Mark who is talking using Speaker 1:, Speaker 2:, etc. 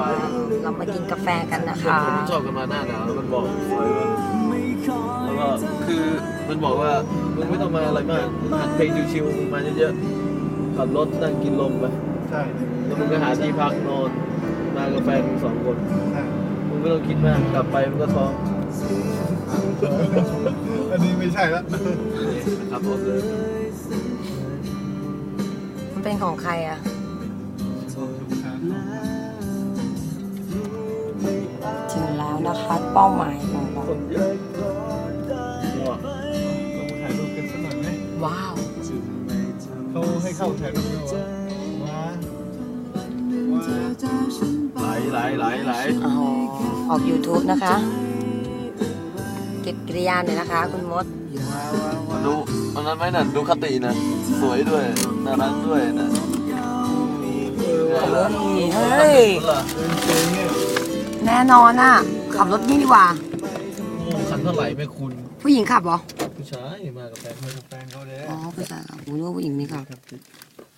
Speaker 1: เรามากินกาแฟกันนะคะ
Speaker 2: ผมชอบกันมาหน้าหนาวแล้วมันบอกสวยว่าแล้วก็คือมันบอกว่ามึงไม่ต้องมาอะไรมากหัดเพลงชิวๆมึงมาเยอะๆขับรถนั่งกินลมไป
Speaker 3: ใช่
Speaker 2: แล้วมึงก็หาที่พักนอนมากับแฟนมึง2 คน
Speaker 3: ใช่
Speaker 2: มึงไม่ต้องคิดมากกลับไปมึงก็ท้อง
Speaker 3: อันนี้ไม่ใช่แล้ว
Speaker 2: นะครับผมเลย
Speaker 1: มันเป็นของใครอ่ะ ถึงแล้วนะคะเป้าหมายของเรา
Speaker 2: คนเยอะว้า
Speaker 3: เราถ่ายรูปกันสักหน่อยไหม
Speaker 1: ว้าว
Speaker 3: เขาให้เข้าถ่ายรูปด้วยวะว้า
Speaker 2: ไหล
Speaker 1: อ๋อออก YouTube นะคะ เก็บกิริยาหน่อยนะคะ คุณมด
Speaker 2: มาดูอันนั้นไหมน่ะดูคตินะสวยด้วยน่ารักด้วยนะ
Speaker 1: เฮ้ย
Speaker 3: เป็นเพลงเนี่ย
Speaker 1: แน่นอนอ่ะ ขับรถนี่ดีกว่า
Speaker 2: โอ้คันเท่าไหร่ไม่คุณ
Speaker 1: ผู้หญิงขับเหรอ
Speaker 2: ผู้ชายมากับแฟน
Speaker 3: แฟนเขาเลย
Speaker 1: อ๋อผู้ชายขับผมรู้ว่าผู้หญิงไม่ขับ